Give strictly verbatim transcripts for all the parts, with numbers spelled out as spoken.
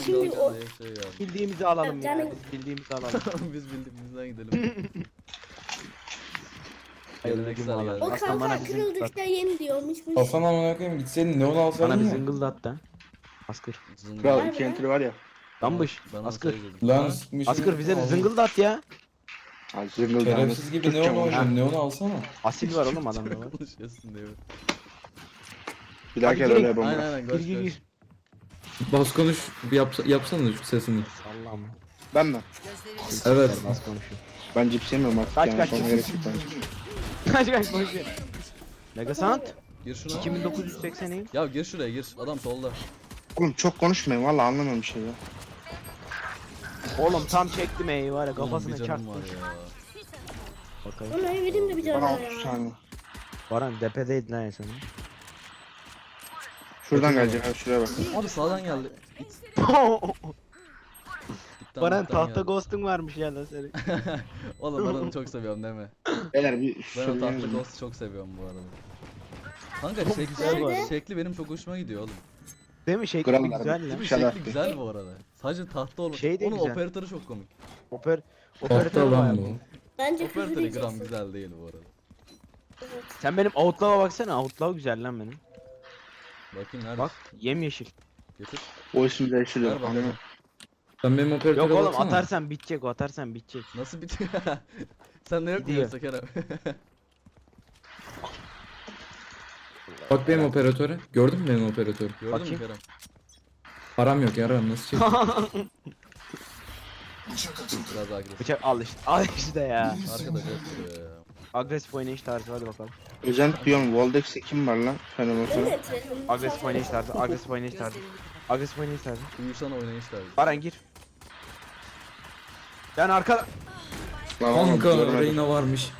Şimdi o Şey yani. Bildiğimizi alalım ya. Yani- Biz bildiğimizi alalım. Biz bildiğimizden gidelim. Hayırlı Geleneksel cumalar. geldi. o Aslan bana kanka bizim kırıldıkça yeni diyormuş. Hasan amına koyayım gitseydin neon Bana alsaydın bir mı? zıngıldat da. Askır. Zıngır. Kral Vay iki be. entry var ya. Dammış. Ben Askır. olsaydım. Lan Ha? sıkmışım. Askır bize de zıngıldat ya. Ha zıngıl Şerefsiz gibi neon oynayacağım, neon alsana. Asil var oğlum adamda var. Konuşuyorsun diyor. Bir daha Hadi gel girin. öyle Aynen bomba. aynen Gir koş gir koş. gir. Bas konuş, bir yapsa, yapsana şu sesini. Allah'ım. Ben mi? Evet. Nasıl konuşuyor? Ben cips yemiyorum artık Kaç, yani kaç, sonra kaç. gerek yok bence. Kaç kaç konuşuyor. Megasant. Gir şuna. iki bin dokuz yüz seksen. Ya gir şuraya gir. Adam solda. Oğlum çok konuşmayın valla anlamıyorum bir şey ya. Oğlum tam çektim ey var ya Ulan kafasına bir canım çarptım. var ya. Bakayım. Ona vereyim de bir Bana cana otuz ya. saniye. Baran depedeydin ha sen. Şuradan gelecek abi şuraya bak. Abi sağdan geldi. Gitten Baran bitten tahta geldi. ghost'un varmış ya lan senin. Oğlum ben onu çok seviyorum deme. Beyler bir Ben o söyleyeyim tahta mi? ghost'u çok seviyorum bu arada. Kanka şekli, Nerede? şekli benim çok hoşuma gidiyor oğlum. Değil mi? Şey gibi Krallar. güzel Değil ya. mi? Şarap. Şekli güzel bu arada. Sadece tahta olmuş. Şey de Onun güzel. operatörü çok komik. Oper operatör Tahta var lan bu. bu. Bence küfür Operatörü gram diyeceksin. güzel değil bu arada. Evet. Sen benim outlaw'a baksana. Outlaw güzel lan benim. Bakayım nerede? Bak yemyeşil. Getir. O ismi Ver değiştiriyor. bakalım. Anlıyorum. Sen benim operatöre Yok oğlum baksana. atarsan bitecek o atarsan bitecek. Nasıl bitiyor? Sen ne yok mu Gidiyor. yoksa Kerem? Bak benim operatöre. Gördün mü benim operatörü? Gördün mü Bakayım. Kerem? Param yok yaram nasıl çekeyim? Biraz agresif. Bıçak al işte. Al işte ya. Arkadaş yapıyor ya. Agresif oynayış tarzı hadi bakalım. Özent diyorum Voldex'e kim var lan? Fenomen Ben de sonra. etkiledim. Agresif oynayış tarzı. Agresif oynayış tarzı. Agresif oynayış tarzı. Uyuşan oynayışlar. Baran gir. Ben arka... Lan oğlum, Kanka görmedim. Reyna varmış.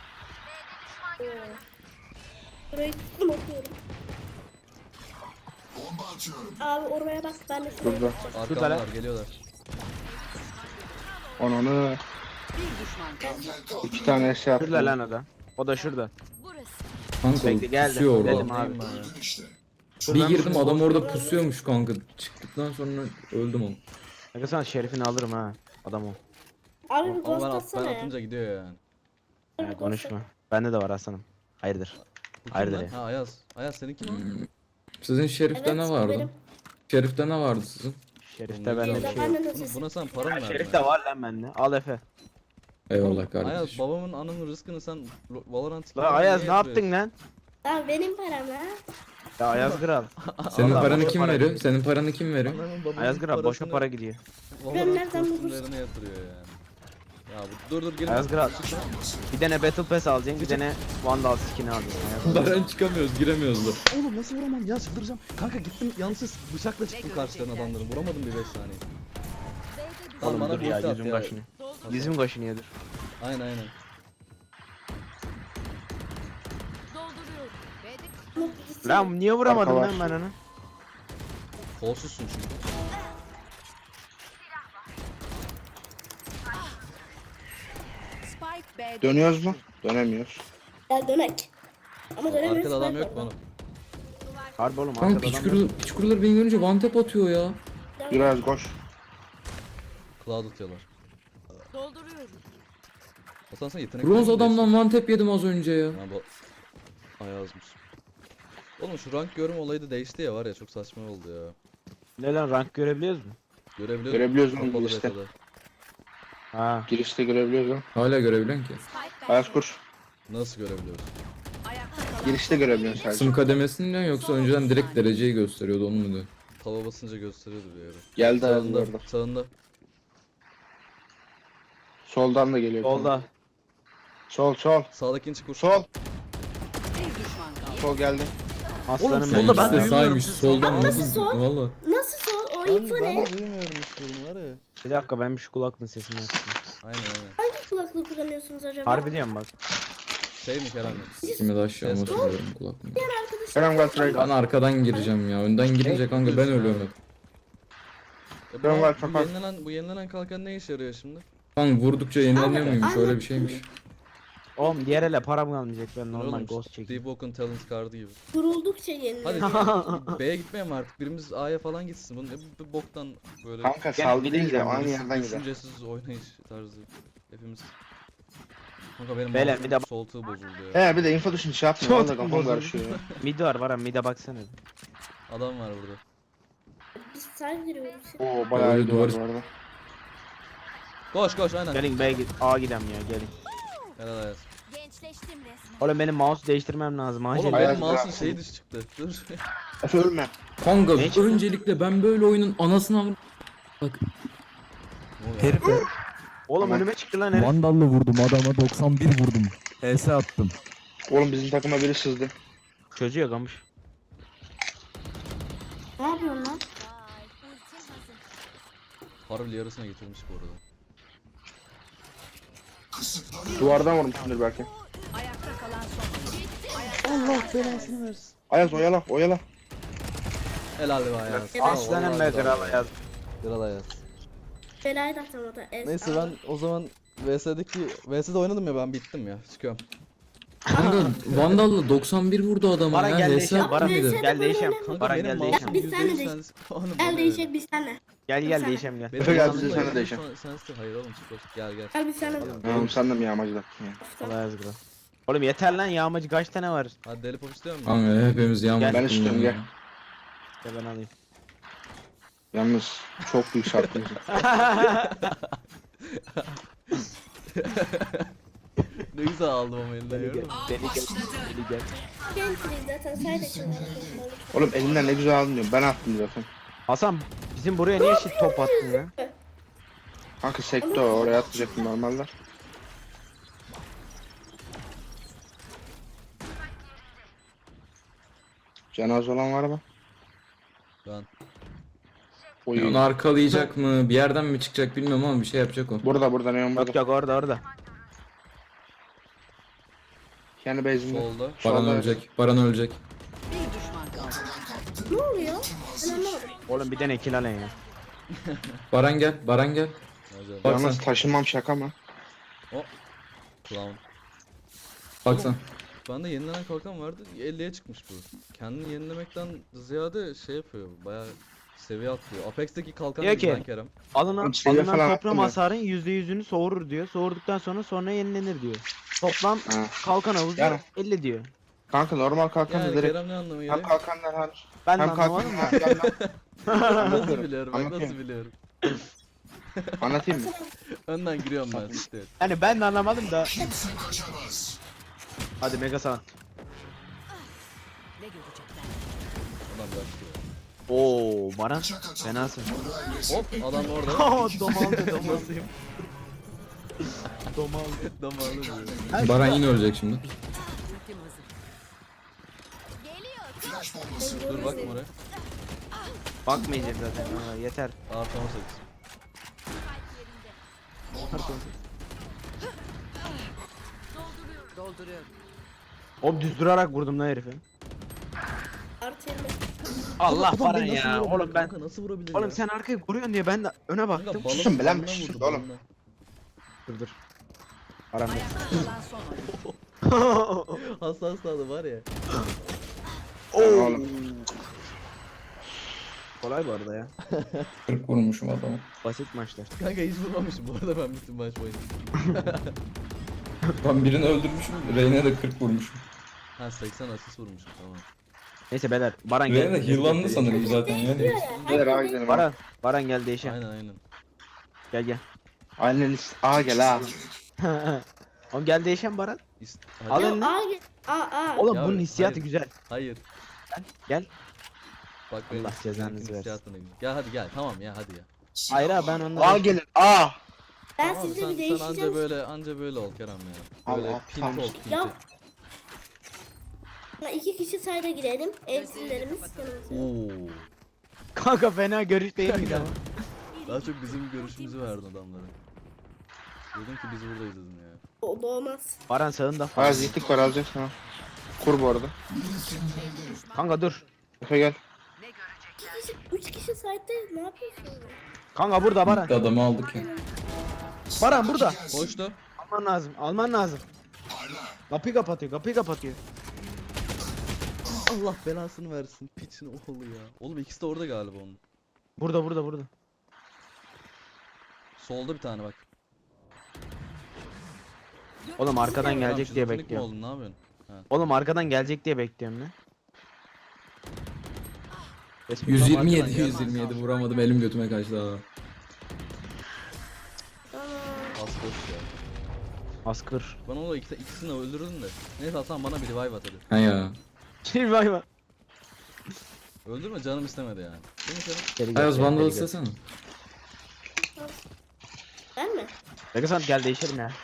Burayı tuttum okuyorum. Abi oraya bak ben de şuraya Burada. bakacağım. Arkamdalar geliyorlar. Ananı. İki tane şey yaptım. Şurada lan o da. O da şurada. Kanka Bekle, geldi. pusuyor orada. Dedim abi. Neyim ben ya? Bir Şuradan girdim bir- adam orada pusuyormuş kanka. Çıktıktan sonra öldüm onu. Aga sana şerifini alırım ha. Adam o. Abi bir Ama ghost ben, at, ben atsana ya. atınca gidiyor yani. Bir Ya ghost konuşma. Bende de var aslanım. Hayırdır. Bu kim Hayırdır lan? ya. Ha Ayaz. Ayaz seninki mi? Sizin at. şerifte Evet, ne vardı? benim. Şerifte ne vardı sizin? Şerifte Oğlum, ne bende güzel bir bir şey Ben yok. de Oğlum, nasıl? buna sen para mı verdin? Şerif de var lan bende. Al Efe. Eyvallah Ayaz kardeşim. babamın anının rızkını sen Lo- Valorant La Ayaz ne yaptın lan? Abi benim param ha. Ya Ayaz Kral. Senin Allah, paranı boşa kim para veriyor? gidiyor. Senin paranı kim veriyor? Anamın babamın Ayaz Kral boşa parasını para gidiyor. Ben Valorant nereden bulursam. kostümlerine yatırıyor yani. Ya bu dur dur gelin. Ayaz Kral. Bir tane Battle Pass alacaksın, bir tane Vandal skin'i alacaksın. Ayaz Kral. Baran çıkamıyoruz, giremiyoruz da. Oğlum nasıl vuramam ya çıldıracağım. Kanka gittim yanlışsız bıçakla çıktım karşılarına adamların. Vuramadım bir beş saniye. Lan Oğlum bana dur bir ya, ulti at yüzüm ya. kaşınıyor. Yüzüm kaşınıyor dur. Aynen aynen. Lan niye vuramadım Arka lan var. ben onu? Kolsuzsun çünkü. Spike B'de Dönüyoruz mu? Dönemiyoruz. Gel dönek. Ama dönemiyoruz. Arkada adam bak yok mu orada. oğlum? Harbi oğlum Kanka arkada piç adam yok. kurular, piç kurular beni görünce one tap atıyor ya. Biraz koş. Cloud atıyorlar. dolduruyorum. Hasan sen yetenek Bronz mi adamdan one tap yedim az önce ya. değiştirdin? Ha bu Ayazmış. Oğlum şu rank görme olayı da değişti ya var ya çok saçma oldu ya. Ne lan rank görebiliyoruz mu? Görebiliyoruz. Görebiliyoruz mu Kapalı girişte? beta'da. Ha. Girişte görebiliyoruz mu? Hala görebiliyorsun ki. Spike Ayaz kur. Nasıl görebiliyoruz? ayakta kalan Girişte görebiliyorsun sadece. Sım kademesini mi diyorsun yoksa önceden direkt dereceyi gösteriyordu onu mu diyor? Tava basınca gösteriyordu bir yere. Geldi Ayaz Sağında, orada. sağında. Soldan da geliyor. Solda. Sol sol. Sağdakini çık vur. Sol. bir düşman kaldı. Sol geldi. Aslanım Oğlum, benim. solda ben İkisi de duymuyorum saymış sizi. soldan Nasıl nasıl? sol? Valla. Nasıl sol? O info ne? duymuyorum hiçbirini var ya. Bir dakika ben bir şu kulaklığın sesini açayım. Aynen aynen. Hangi kulaklık kullanıyorsunuz acaba? Harbi diyorum bak. Şey mi Kerem? Sikimi de aşağı Ses- basıyorum kulaklığımı. Kerem gel şuraya. Ben arkadan gireceğim ya. Önden girince kanka ben ölüyorum hep. E, bu, Ben var, bu, kapat. yenilenen, bu yenilenen kalkan ne işe yarıyor şimdi? Kanka vurdukça yenileniyor Abi, muymuş aynen. öyle bir şeymiş. Oğlum diğer ele param kalmayacak ben normal Oğlum, ghost çekeyim. Deep Oak'un talent kartı gibi. Kuruldukça yeniliyor. Hadi B'ye gitmeyelim artık. Birimiz A'ya falan gitsin. Bu ne bu boktan böyle Kanka Gel, saldı bir de değil de gidelim. aynı yerden gider. düşüncesiz oynayış tarzı. Hepimiz. Kanka benim Beyler, mouse'un bir de- soltuğu bozuldu ya. He bir de info düşün şey yapma. Çok Valla kafam bozuldu. karışıyor ya. Mid var Baran mid'e baksana. Adam var burada. Biz sen giriyoruz. Oo bayağı iyi duvar Duvar- bu arada. Koş koş aynen. Gelin B'ye git A gidem ya gelin. Helal Ayaz. Gençleştim resmen. Oğlum benim mouse değiştirmem lazım acil. Oğlum Ayaz benim mouse'un bırak. şeyi dışı çıktı. Dur. Efe ölme. Kanka Ne çıktı? öncelikle ben böyle oyunun anasını avr... Bak Herif Oğlum Tamam. önüme çıktı lan herif. Vandal'la vurdum adama doksan bir vurdum. H S attım. Oğlum bizim takıma biri sızdı. Çözüyor kamış. Ne yapıyorsun lan? Vay, ultim hazır. Harbi yarısına getirmiş bu arada. Duvardan vurmuşsundur belki. Ayakta kalan son. Allah belasını versin. Ayaz oyala oyala. Helal be Ayaz. Aslanım be kral yaz. Kral Ayaz. Belayı da atamadı. Es- Neyse ben o zaman V S'deki V S'de oynadım ya ben bittim ya. Çıkıyorum. kanka Vandal'la doksan bir vurdu adama Baran ya. gel H S değişelim. Baran atmaydı. gel değişelim. Kanka Baran benim gel mouse'um değişelim. Biz seninle yüzde yüz değiş- sensiz- Oğlum, Gel bana değişecek biz senle. Gel gel Sen- değişelim gel. Benim Efe gel, mouse'um biz da seninle yüzde yüz değişelim. sensiz- Hayır oğlum çık gel gel. Gel biz senle. Oğlum sen de mi yağmacıda? Allah yaz kral. Oğlum yeter lan yağmacı kaç tane var? Hadi deli pop istiyor musun? Kanka hepimiz yağmur. Gel. Ben istiyorum, gel. Gel ben alayım. Yalnız çok büyük şarkı. Ne güzel aldım ama elinden Beni gel. gördün mü? Beni gel. Beni gel. Gençliyiz zaten sayda çıkıyor. Oğlum elinden ne güzel aldın diyorum. Ben attım zaten. Hasan bizim buraya niye shit top attın ya? Kanka sekte o, oraya atmayacaktım normalde. Cenaze olan var mı? Ben. Oy. Onu arkalayacak mı? Bir yerden mi çıkacak bilmiyorum ama bir şey yapacak o. Burada burada neon Yok burada. yok orada orada. Kendi base'inde. Solda. Şu Baran anda- ölecek. Baran ölecek. Bir düşman kaldı. Ne oluyor? Ben anlamadım. Oğlum bir tane kill alın ya. Baran gel. Baran gel. Acayip. Bak Yalnız sen. taşınmam şaka mı? Clown. Bak sen. Bende yenilenen kalkan vardı. elliye çıkmış bu. Kendini yenilemekten ziyade şey yapıyor. Bayağı seviye atlıyor. Apex'teki kalkan Diyor gibi ki- lan Kerem. Alınan, Oğlum seviye alınan falan toplam attın mı? hasarın yüzde yüzünü soğurur diyor. Soğurduktan sonra sonra yenilenir diyor. Toplam Ha. kalkan havuzu Yani. elli diyor. Kanka normal kalkan da Yani direkt. Kerem ne anlamı Hem geliyor? kalkanlar hariç. Ben de Hem kalkan anlamadım da. hem yandan. Nasıl Anlatıyorum. biliyorum bak nasıl Anlatayım. biliyorum. Anlatayım mı? Önden giriyorum ben işte. Yani ben de anlamadım da. Hadi mega sana. Ne görecekler? Ulan başlıyor. Oo Baran fenasın. Hop adam orada. Domaldı domaldı. Domaldı. Damarlı diyor. Baran yine ölecek şimdi. Ultim hazır. Geliyor. Dur bakma oraya. Bakmayacak zaten. Ha, yeter. Artı on sekiz. Dolduruyorum. Oğlum düz durarak vurdum lan herifi. Artı yirmi. Allah Adam Baran beni nasıl ya. vurabilir Oğlum ben kanka, nasıl vurabilir Oğlum ya? sen arkayı koruyorsun diye ben de öne baktım. Kanka balon Susun be lan, balondan susun vurdu, oğlum. balondan. Dur dur. Baran Ayakta kalan son oyun. Hassas tadı var ya. Oğlum. Kolay bu arada ya. kırk vurmuşum adamı. Basit maçlar. Kanka hiç vurmamışım bu arada ben bütün maç boyunca. Ben birini öldürmüşüm. Reyne de kırk vurmuşum. Ha seksen asist vurmuşum tamam. Neyse beyler Baran Reyne de gel. heal'landı sanırım zaten ya. Neyse. Gel ağa gidelim. Baran Baran gel değişelim. Aynen aynen. Gel gel. Aynen list. Ağa gel ha. Oğlum gel değişen Baran. İst Al Hadi. eline. Aa gel. Aa aa. Oğlum Ya, bunun hissiyatı hayır. güzel. Hayır. Gel. Bak benim Allah cezanızı benimkinin versin. hissiyatına gidiyor. Gel hadi gel tamam ya hadi ya. Hayır abi ben onunla. Ağa gelin. Ağa. Ben Tamam, sizle sen, bir sen anca değişeceğim. böyle anca böyle ol Kerem ya. Böyle Allah, pint tamam. ol pinti. Ya. Ya İki kişi sayda girelim. Evsizlerimiz yanımızda. Oo. Kanka fena görüş değil miydi ama? Daha çok bizim görüşümüzü verdin adamlara. Dedim ki biz buradayız dedim ya. O doğmaz. Baran sağında. Ayaz gittik var alacak sana. Kur bu arada. Kanka dur. Efe gel. İki kişi, üç kişi sayda ne yapıyorsunuz? Kanka burada Baran. Adamı aldık ya. Baran burada. Koştu. Alman lazım. Alman lazım. Kapıyı kapatıyor, kapıyı kapatıyor. Allah belasını versin. Piçin oğlu ya. Oğlum ikisi de orada galiba onun. Burada, burada, burada. Solda bir tane bak. Oğlum arkadan Tamam, gelecek diye şizofrenik mi bekliyorum. oldun, ne yapıyorsun? Oğlum arkadan gelecek diye bekliyorum ben. Resmi yüz tam yirmi yedi arkadan yüz yirmi yedi vuramadım, elim götüme kaçtı ha. Az boş ya. Askır. Ben onu ikisi, ikisini de öldürdüm de. Neyse Hasan bana bir revive at hadi. Ha ya. Şey vay vay. Öldürme, canım istemedi yani. Değil mi senin? Geri gel, Ayaz geri Vandal gel. istesene. Ben mi? Regasan gel değişelim ya.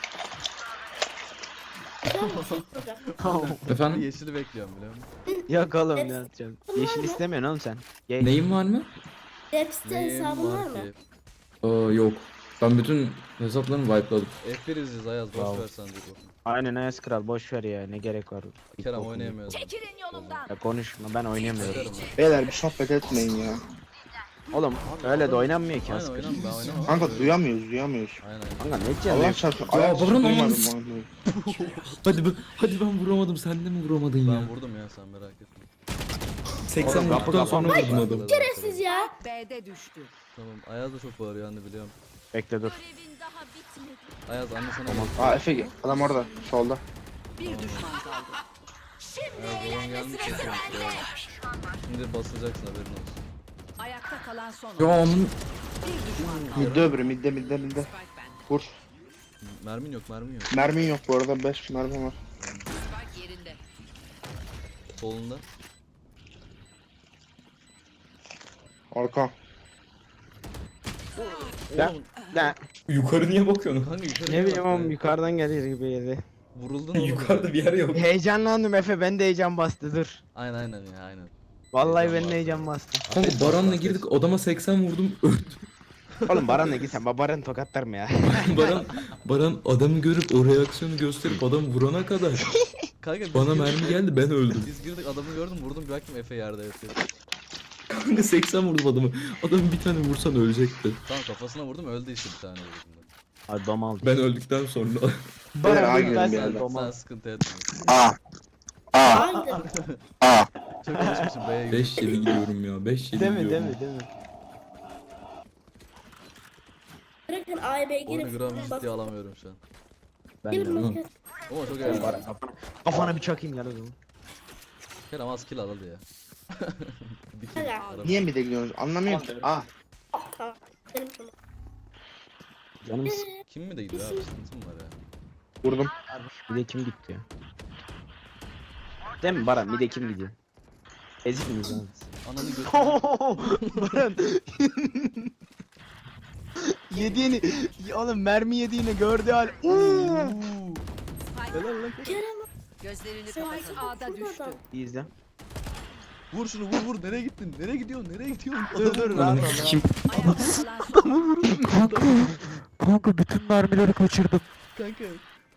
Burada. Efendim? Yeşili bekliyorum biliyor musun? Yok oğlum ne yapacaksın? Yeşil istemiyorsun oğlum sen. Ye Neyim var mı? Deps'te hesabın var mı? ki? Aa yok. Ben bütün hesaplarımı wipe'ladım. F bir izliyoruz Ayaz, boş Bravo. ver sen diye bakın. Aynen Ayas Kral boş ver ya ne gerek var. Kerem oynayamıyoruz. Çekilin yolumdan. Ya konuşma ben oynayamıyorum. Bakarım ben. Beyler bir sohbet etmeyin ya. Oğlum öyle de oynanmıyor ki Aynen Askır. oynam, ben oynamam. Kanka duyamıyoruz duyamıyoruz. Aynen aynen. Kanka ne Allah diyeceğim? çarpsın. Ya Ayak Baran duymadım olmaz. vallahi. Hadi ben, hadi ben vuramadım, sen de mi vuramadın ya? Ben vurdum ya, sen merak etme. seksen Oğlum, kapı vurduktan sonra kapanmış. vurdum adam. Siz ya. B'de düştü. Tamam, Ayaz da çok bağırıyor anne biliyorum. Bekle dur. Görevin daha bitmedi. Ayaz anne sana Tamam. gel. Aa Efe adam orada solda. Bir düşman kaldı. Ayaz babam gelmiş ya. Şimdi basacaksın, haberin olsun. Ayakta kalan son Ya oyuncu. onun Bir düşman kaldı. Midde öbürü midde midde midde. Spike bende. Vur. Mermin yok, mermin yok. Mermin yok bu arada, beş mermi var. Spike yerinde. Solunda. Arka. Ya, Oğlum, ya yukarı niye bakıyorsun? kanka yukarı ne bileyim bak oğlum be. yukarıdan gelir gibi yedi. Vuruldun oğlum. Yukarıda bir yer yok. Heyecanlandım Efe ben de heyecan bastı dur. Aynen aynen ya, aynen. Vallahi Heyecan ben bastı. de heyecan bastı. Kanka Baran'la girdik, odama seksen vurdum, öldüm. Oğlum Baran'la gitsen Baran tokatlar mı ya? Baran, Baran adamı görüp o reaksiyonu gösterip adam vurana kadar Kanka biz bana girdik- mermi geldi, ben öldüm. Biz girdik, adamı gördüm, vurdum, bir baktım Efe yerde yatıyor. Kanka seksen vurdum adamı. Adam bir tane vursan ölecekti. Tamam kafasına vurdum, öldü işte bir tane vurdum. Hadi dom aldı. Ben öldükten sonra. Beyler A Baran gidelim ben bir sen yerden. dom Sen al. sıkıntı etme. A. A. Aa gidelim. A. Çok alışmışım B'ye gidiyorum. beş yedi gidiyorum ya, beş yedi Değil mi gidiyorum. değil mi değil mi? Bırakın A'ya B'ye Oyunu girip gram bak. ciddiye alamıyorum şu an. Ben de. Gelin Hı. bakın. Ama çok Baran eğlenceli. kafana, kafana bir çakayım gel o zaman. Kerem az kill aladı ya. Bir kill. Hala. araba. Niye midde gidiyoruz? Anlamıyorum ki. A. Tamam. Benim tamam. Canım sık. Kim mi de gidiyor abi, sıkıntı mı var ya? Vurdum. Bir de kim gitti ya? Değil mi Baran? Bir de kim gidiyor? Ezik miyiz abi? Ananı götür. Baran. Yediğini, oğlum mermi yediğini gördü hal. Oo. Helal lan. Kerem Gözlerini sen kapat. A'da A'da düştü. İyi izle. Vur şunu, vur vur, nereye gittin? Nereye gidiyorsun? Nereye gidiyorsun? Dur dur rahat ol. rahat. Kim? Ayakta kalan son oyuncu. Kanka bütün mermileri kaçırdım. Kanka.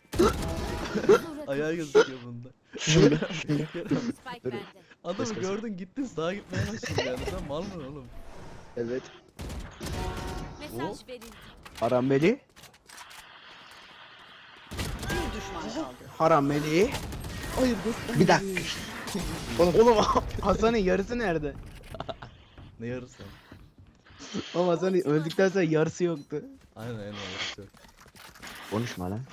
Ayağı gözüküyor bunda. Şimdi. Şimdi. Spike bende. Adamı gördün, gittin sağa gitmeye başladın yani. Sen mal mı oğlum? Evet. Mesaj verildi. Haram Meli. Bir düşman kaldı. Haram Meli. Bir dakika. Oğlum Hasan'ın yarısı nerede? Ne yarısı? Oğlum Hasan'ın öldükten sonra yarısı yoktu. Aynen aynen yarısı yok. Konuşma lan.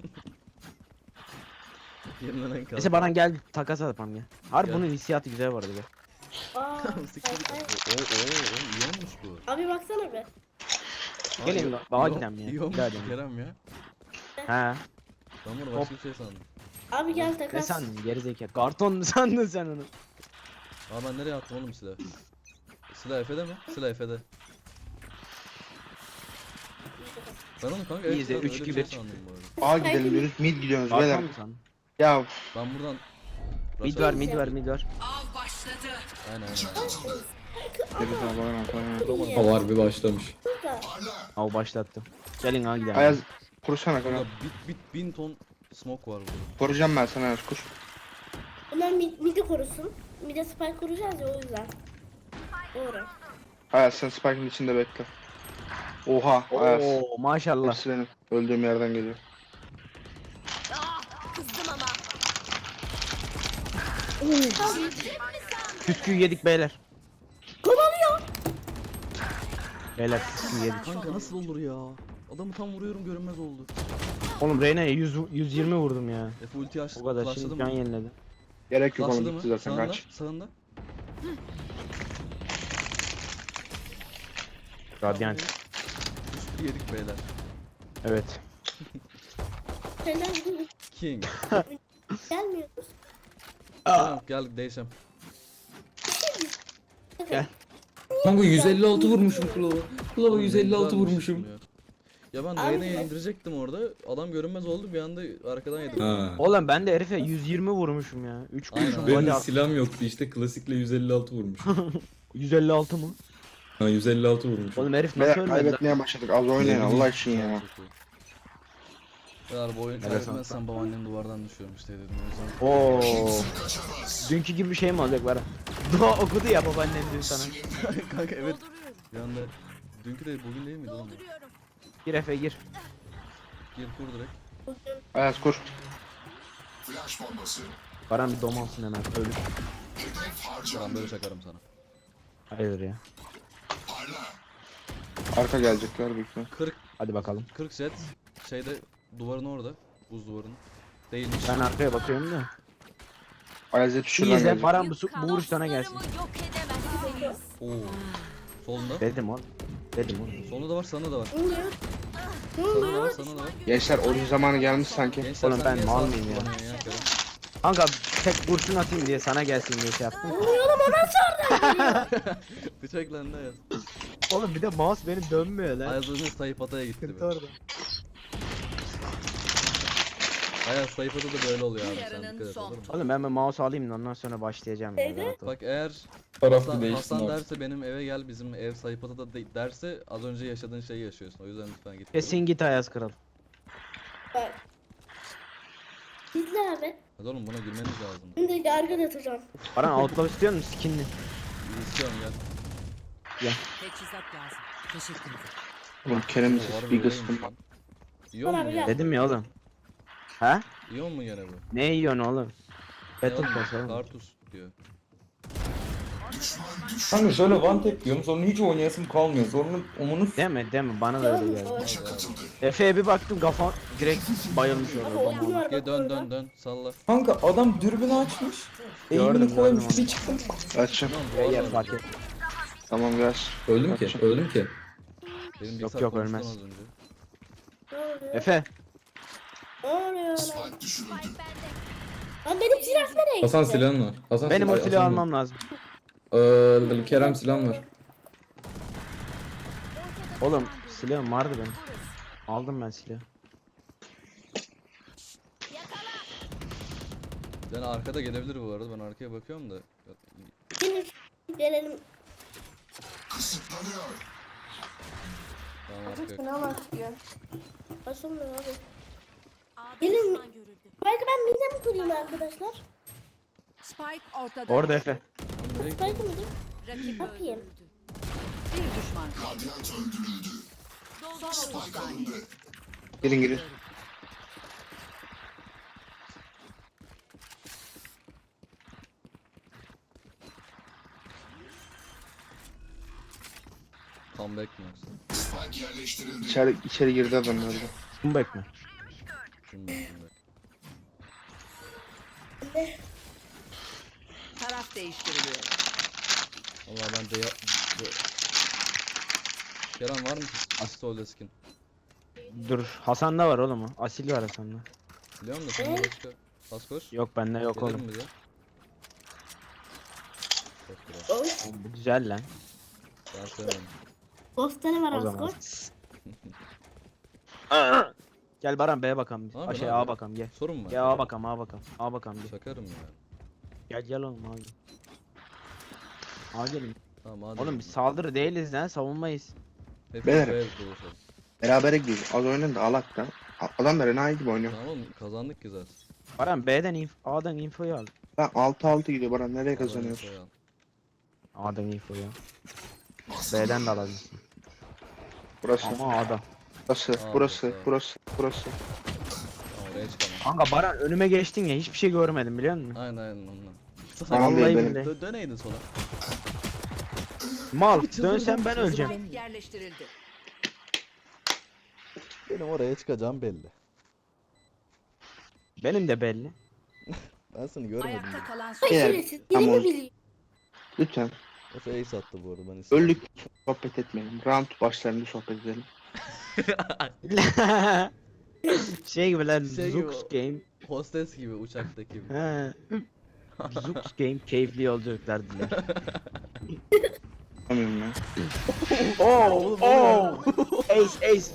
Yenilenen kaldı. Neyse Baran gel takas yapalım ya. Harbi Gel. bunun hissiyatı güzel vardı be. Aa. Siktir git. ay, ay. Oo oo oo, iyi olmuş bu. Abi baksana be. Aa, Gelin iyi- lan, dağa iyi- gidelim ya. İyi olmuş Bir daha gidelim. Kerem ya. He. Ben bunu başka bir şey sandım. Abi gel Ne takas. sandın gerizekalı? Karton mu sandın sen onu? Aa ben nereye attım oğlum silahı? Silah Efe'de mi? Silah Efe'de. Ben onu kanka İyi evet de silahı üç öyle iki bir şey bir. sandım bu arada. A gidelim diyoruz. Mid gidiyoruz beyler. Karton mu sandın? Ya Ben buradan... Mid Rush'a- var mid var mid var. Av başladı. Aynen aynen. ne güzel Baran Baran. İyi. Hava harbi başlamış. Burada. Av başlattım. Gelin ha gidelim. Ayaz kursana Burada kanka. bit bit bin ton smoke var burada. Koruyacağım ben sana Ayaz kur. Bunlar mid, midi korusun. Mide spike kuracağız ya o yüzden. Doğru. Ayaz sen Spike'ın içinde bekle. Oha Ayaz. Oo maşallah. Hepsi benim. Öldüğüm yerden geliyor. Kızdım ama. Püsküyü yedik beyler. Kovalıyor. Beyler püsküyü yedik. Kanka nasıl olur ya? Adamı tam vuruyorum görünmez oldu. Oğlum Reyna'ya yüz yüz yirmi vurdum ya. Efe ulti açtı. O kadar Flashladı şimdi mı? can yeniledi. Gerek yok Flashladı oğlum mı? gitti zaten Sağında, kaç. sağında. Radyant. Üstü yedik beyler. Evet. Şeyler gidiyor. King. Gelmiyoruz. Tamam gel değişem. Kanka yüz elli altı vurmuşum Klova. Klova Oğlum ne yüz elli altı güzelmiş vurmuşum. ya. Ya ben Abi Reyna'yı ben- indirecektim orada. Adam görünmez oldu bir anda arkadan yedim. Ha. Oğlum ben de herife yüz yirmi vurmuşum ya. üç Aynen, kurşun aynen. Benim body de at. silahım yoktu işte klasikle yüz elli altı vurmuşum. yüz elli altı mı? Ha yüz elli altı vurmuşum. Oğlum herif Beyler nasıl ölmedi lan? kaybetmeye başladık. Az oynayın Allah için ya. Eğer bu oyunu Evet, kaybetmezsem babaannem duvardan düşüyorum işte dedim o yüzden. Oo. Dünkü gibi bir şey mi olacak bana? Dua okudu ya babaannem dün sana. Kanka evet Dolduruyorum. bir anda dünkü de bugün değil miydi oğlum? Dolduruyorum. Gir Efe gir. Gir kur direkt. Ayaz kur. Baran bir dom alsın hemen ölür. Ben böyle çakarım sana. Hayır ya. Arka gelecekler büyük ihtimal. kırk Hadi bakalım. kırk set şeyde duvarın orada. Buz duvarının. Değilmiş. Ben arkaya bakıyorum da. Ayaz hep İyi şuradan izle gelecek. Baran bu, su- bu vuruş sana gelsin. Dostlarımı yok edemezsiniz. Oo. Solunda. Dedim oğlum. Dedim oğlum. Solunda da var, sana da var. Ne oluyor? Ne Sana da var, oluyor? sana da var. Gençler oyun zamanı gelmiş sanki. Gençler Oğlum sen ben niye mal sağ mıyım ya? kullanıyorsun ya Kerem? Kanka tek kurşun atayım diye sana gelsin diye şey yaptım. Bıçak lan ne yaz? Oğlum bir de mouse benim dönmüyor lan. Ayaz Özün sayıp ataya gitti. Sıkıntı be. orada. Ayaz sayıp ata da böyle oluyor abi. Sen Yarının dikkat et son olur mu? Oğlum ben bir mouse alayım da ondan sonra başlayacağım. ya, Neydi? rahat ol. Bak eğer Taraflı Hasan, değişsin Hasan abi. derse benim eve gel bizim ev sayıp ata da de- derse az önce yaşadığın şeyi yaşıyorsun. O yüzden lütfen git. Kesin git Ayaz Kral. Bak. İzle abi. Hadi oğlum buna girmeniz lazım. Şimdi yargı atacağım. Baran outlaw istiyor musun skinli? Bir istiyorum gel. Teçhizat lazım. Teşekkür ederim. Oğlum Kerem'in Oo, sesi harbi bir öyleymiş kıstım. lan. Yiyor mu Bana bir gene? gel. Dedim ya oğlum. Ha? Yiyor mu gene bu? Ne yiyorsun oğlum? Ne Battle oğlum? Pass oğlum. Kartus diyor. Kanka şöyle one tap diyorum sonra hiç oynayasım kalmıyor. Sonra onu Deme deme bana da öyle geldi. Hadi abi. Efe'ye bir baktım kafa direkt bayılmış orada. Oyun bomba. var Gel bak dön orada. dön dön salla. Kanka adam dürbünü açmış. Gördüm, Eğimini koymuş gördüm bir çıktım. Açacağım. Tamam Ya duvar var. fark et. Tamam gel. Öldüm ki, öldüm ki. Benim Yok, bilgisayar yok, konuştu ölmez. az önce. Ne oluyor? Efe. Ne oluyor lan? Spike bende. Lan benim silah nereye gitti? Hasan silahın var. Hasan Benim o silah- silahı Hasan- almam lazım. Ee, Kerem silahın var. Oğlum silahım vardı benim. Aldım ben silahı. Yani arkada gelebilir bu arada. Ben arkaya bakıyorum da. Gelin. Gelelim. Tamam arkaya. Fena başlıyor. Başlamıyor abi. A'da Gelin. düşman görüldü. Belki ben midem mi kurayım arkadaşlar? Spike ortada. Orada Efe. Nereye gidiyorsun? Belki mi? Rakip Yapayım. öldürüldü. Bir düşman kaldı. Son otuz saniye. Girin girin. Comeback mi yoksa? İçeri, içeri girdi adamlar da. Kumbek mi? Comeback comeback. Taraf değiştiriliyor. Valla ben de ya... de- Kerem var mı? Astolde skin. Dur Hasan'da var oğlum o. Asil var Hasan'da. Biliyor musun? Sen başka... Bas koş. Yok bende yok Gelir oğlum. mi bize? Çok biraz. Oy. Oğlum, bu güzel lan. Ben sevmem. O Ghost'ları var zaman. Asgore. Gel Baran B'ye bakalım biz. Abi, Aa, şey ne A yapıyorsun? bakalım gel. Sorun mu var? Gel A bakalım A bakalım. A bakalım gel. Şakarım ya. Gel gel oğlum A gel. A gelin. Tamam hadi. Oğlum biz saldırı değiliz lan savunmayız. Hep Beyler. Beyler. Buluşalım. Berabere gidiyoruz. Az oynayın da alak da. Adam da Rena'yı gibi oynuyor. Tamam oğlum kazandık ki zaten. Baran B'den inf A'dan infoyu al. Lan altı altı gidiyor bana nereye Kazanıyoruz. kazanıyoruz? A'dan infoyu al. B'den de alabilirsin. Burası. Ama A'da. Burası. Aa, Burası. burası. Burası. Burası. Tamam oraya çıkamam. Kanka Baran önüme geçtin ya hiçbir şey görmedim biliyor musun? Aynen aynen ondan. Sana Vallahi dön- billahi. dö- döneydin sola. Mal Çıldırdım, dönsen ben öleceğim. Spike yerleştirildi. Benim oraya çıkacağım belli. Benim de belli. Ben seni görmedim. Ayakta bile. kalan son. Ay Eğer- şerefsiz. Biri Tamam. mi biliyor? Lütfen. Efe ace attı bu arada ben istedim. Öldük sohbet etmeyelim. Round başlarında sohbet edelim. Şey gibi lan Şey gibi Zux o. Game. Hostes gibi uçaktaki gibi. He. Zux Game keyifli yolculuklar diler. Anlamıyorum ya. Oo, oo. Ace ace.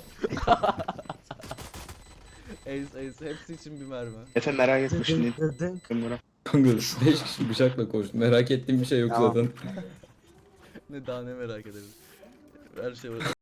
Ace ace hepsi için bir mermi. Efe merak etme şimdi. Bunlara. Kanka beş kişi bıçakla koştu. Merak ettiğim bir şey yok Tamam. zaten. Ne daha ne merak ederim. Her şey var.